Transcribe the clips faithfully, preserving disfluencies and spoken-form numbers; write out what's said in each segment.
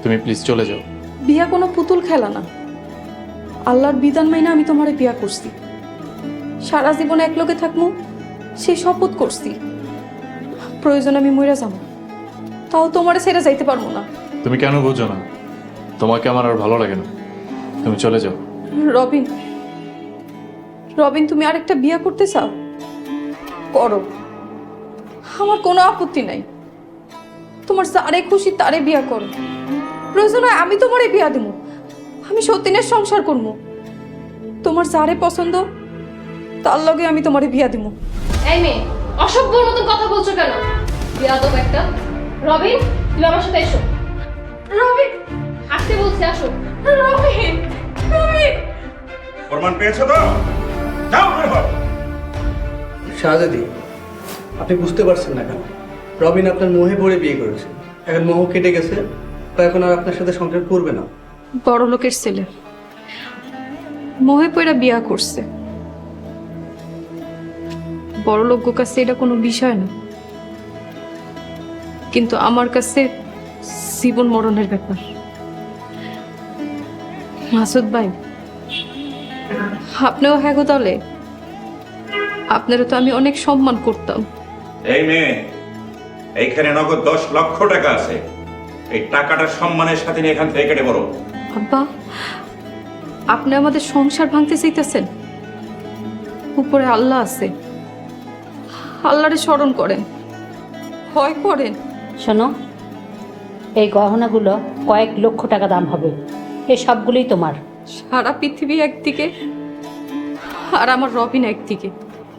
তুমি প্লিজ চলে যাও। বিয়া কোনো পুতুল খেলা না। আল্লাহর বিধান মাইনা আমি তোমারে বিয়া করছি, সারা জীবন একলগে থাকবো সেই শপথ করছি। প্রয়োজন আমি মইরা যাবো, তাও তোমারে ছেড়ে যাইতে পারবো না। তুমি কেন বুঝো না? তোমাকে আমার আর ভালো লাগে না, তুমি চলে যাও। রবিন, রবিন তুমি আরেকটা বিয়া করতে চাও? করো, আমার কোনো আপত্তি নাই। তোমার যারে খুশি তারে বিয়া করো। প্রয়োজন হয় আমি তোমারে বিয়া দেবো, আমি সতীনের সংসার করবো। তোমার যারে পছন্দ তার লগে আমি তোমারে বিয়া দেবো। এই মেয়ে, অসভ্যর মতন কথা বলছো কেন? বিয়াদব একটা। রবিন, তুমি আমার সাথে এসো। রবিন, আসতে বলছি, আসো। রবিন, রবিন। প্রমাণ পেয়েছো তো? যাও বের হও। শাহজাদি, আপনি বুঝতে পারছেন না কেন? রবিন আপনার মোহে পড়ে বিয়ে করেছে, এখন মোহ কেটে গেছে, তো এখন আর আপনার সাথে সংসার করবে না। বড় লোকের ছেলে মোহে পয়রা বিয়া করছে। বড় লোক কাছে এটা কোনো বিষয় না, কিন্তু আমার কাছে জীবন মরণের ব্যাপার। মাসুদ ভাই, আপনিও হ্যাঁ গো, তাহলে আপনারও তো আমি অনেক সম্মান করতাম। এই মেয়ে, এইখানে নগদ দশ লক্ষ টাকা আছে। এই টাকাটা সম্মানের সাথে নিয়ে এখান থেকে কেটে পড়ো। আব্বা, আপনি আমাদের সংসার ভাঙতে চাইতেছেন? উপরে আল্লাহ আছে, আল্লাহরে স্মরণ করেন, ভয় করেন। শোনো, এই গহনাগুলো কয়েক লক্ষ টাকা দাম হবে, এই সবগুলোই তোমার। সারা পৃথিবী একদিকে আর আমার রবিন একদিকে।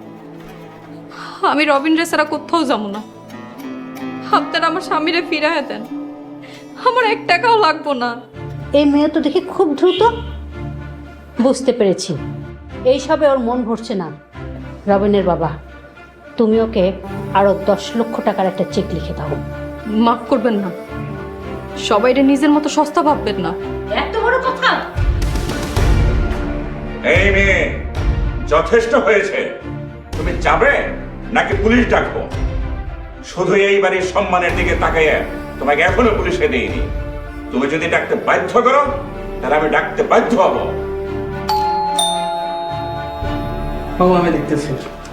আমি রবিন রে ছাড়া কোথাও যাবো না। আপনারা আমার স্বামীরে ফিরাইয়া দেন, আমার এক টাকাও লাগবো না। এই মেয়ে তো দেখি খুব দ্রুত। বুঝতে পেরেছি, এইসবে ওর মন ভরছে না। রবিনের বাবা, তুমি ওকে আরো দশ লক্ষ টাকার একটা চেক লিখে দাও। মাফ করবেন না, সবাইরে নিজের মতো সস্তা ভাববেন না। এত বড় কথা! এই মেয়ে, যথেষ্ট হয়েছে। তুমি যাবে নাকি পুলিশ ডাকবো? শুধু এই বাড়ির সম্মানের দিকে তাকাইয়া তোমাকে এখনো পুলিশে দেইনি। তুমি যদি ডাকতে বাধ্য করো, তাহলে আমি ডাকতে বাধ্য হব। বাবা, আমি দেখতেছি।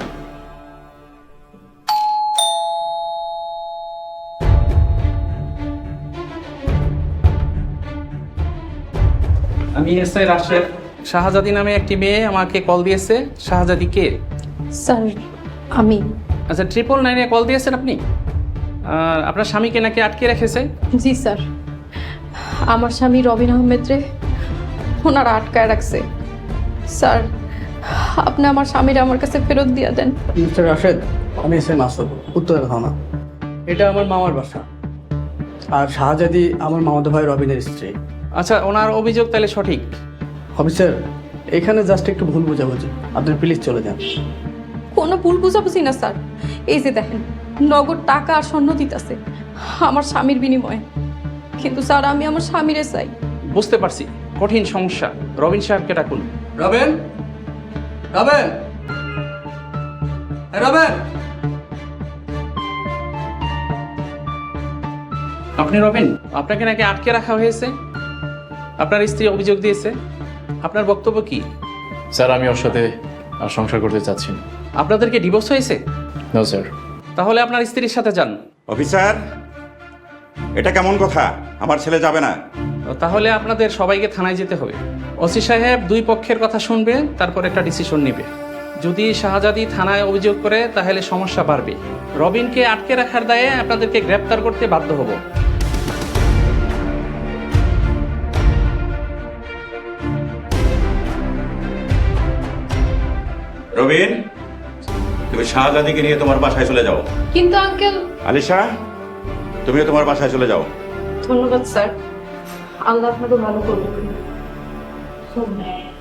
আমি এসআই রাশেদ। শাহজাদি নামে একটি মেয়ে আমাকে কল দিয়েছে। শাহজাদি কে? স্যার, আমি। আচ্ছা, ট্রিপল নাইনে কল দিয়েছেন আপনি? আর আপনার স্বামীকে নাকি আটকে রেখেছে? জি স্যার, আমার স্বামী রবিন আহমেদ রে ওনারা আটকায় রাখছে। স্যার, আপনি আমার স্বামীরা আমার কাছে ফেরত দিয়ে দেন। মিস্টার রাশেদ, আমি এস এ মাসুদ, উত্তর থানা। এটা আমার মামার বাসা, আর শাহজাদি আমার মামাতো ভাই রবিনের স্ত্রী। আচ্ছা, ওনার অভিযোগ তাহলে সঠিক? অফিসার, এখানে জাস্ট একটু ভুল বোঝাবুঝি, আপনি প্লিজ চলে যান। কোনো ভুল বুঝাবুঝি না স্যার, এই যে দেখেন নগদ টাকা আর স্বর্ণ দিতেছে আমার স্বামীর বিনিময়ে। কিন্তু স্যার, আমি আমার স্বামীরে চাই। বুঝতে পারছি, কঠিন সমস্যা। রবিন সাহেবকে ডাকুন। রবেন, রবেন, রবেন। আপনি রবিন? আপনাকে নাকি আটকে রাখা হয়েছে, আপনার স্ত্রী অভিযোগ দিয়েছে। আপনার বক্তব্য কি? স্যার, আমি ওর সাথে আর সংসার করতে চাচ্ছি না। আপনাদেরকে ডিভোর্স হয়েছে? No sir. তাহলে আপনার স্ত্রীর সাথে যান। অফিসার, এটা কেমন কথা? আমার ছেলে যাবে না। তাহলে আপনাদের সবাইকে থানায় যেতে হবে। ওসি সাহেব দুই পক্ষের কথা শুনবে, তারপর একটা ডিসিশন নেবে। যদি শাহজাদি থানায় অভিযোগ করে তাহলে সমস্যা বাড়বে। রবিনকে আটকে রাখার দায়ে আপনাদেরকে গ্রেপ্তার করতে বাধ্য হব। রবিন, তুমি শাহজাদিকে নিয়ে তোমার বাসায় চলে যাও। কিন্তু আঙ্কেল। আলিশা, তুমিও তোমার বাসায় চলে যাও। ধন্যবাদ স্যার, আল্লাহ আপনাকে ভালো করবেন।